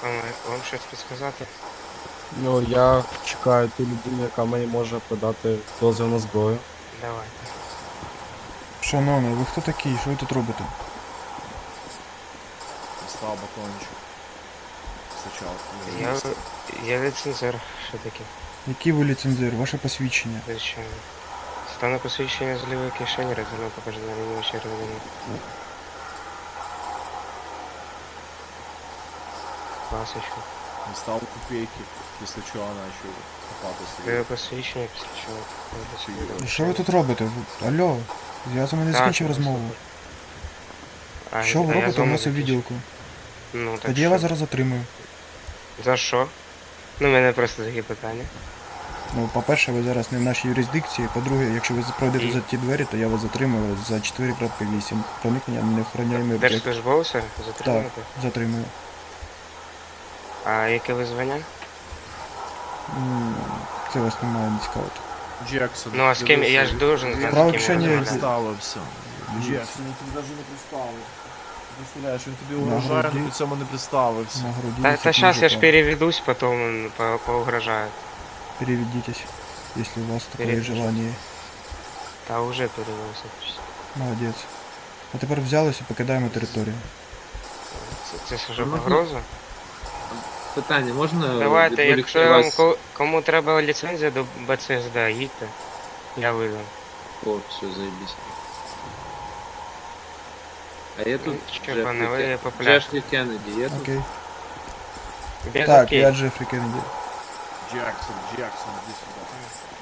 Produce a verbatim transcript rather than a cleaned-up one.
Вам, вам щось підсказати? Ну, я чекаю ту людину, яка мені може подати дозвіл на зброю. Давайте. Шановний, ви хто такий? Що ви тут робите? Став батончик. Сначала. Я, я ліцензер, що таке? Який ви ліцензір? Ваше посвідчення? Звичайно. Стану посвідчення з лівої кишені, резину покажу на ліву червону. Пасочку. Не став копейки, після чого начал копатися. Ліве посвідчення, після чого. І що ви тут робите? Ви- Алло, я з вами не Так, закінчив ну, розмову. А, Що ви а я з робите у вами нас у закінчив. відділку? Ну, так Тоді я що? вас зараз затримую. За що? Ну, в мене просто такі питання. Ну, по-перше, ви зараз не в нашій юрисдикції. По-друге, якщо ви пройдете І? за ті двері, то я вас затримую за чотири крапка вісім. Проникнення на неохороняємий об'єкт. Держслужбовця Так, затримати? затримую. А яке ви звання? М, Це вас не має не цікавити. Джексон. Ну, а з ким? Я ж должен знати, Справа з ким кишені я є. розмовляю. Представився. Джексон, він тобі навіть не представив. Представляєш, він тобі На угрожає, груді. але при цьому не представився. На груді Та, висить та сейчас я ж мужика. переведусь, потом по поугрожаю. Переведитесь, если у вас такое Переведусь. желание. Та уже перевелся. Молодець. А тепер взялися і покидаємо територію. Це, це ж вже Можна? погроза? Питання, можна Давайте, відволікти якщо я вам вас? ко- кому треба ліцензія до Б Ц С Д, їдьте. Я видам. О, все, заебись. А є тут Що, пане, ви Джефрі, популярні. Джефрі Кеннеді, є тут? Окей. Без Так, окей. я Джефрі Кеннеді. Джексон, Джексон, іди сюди.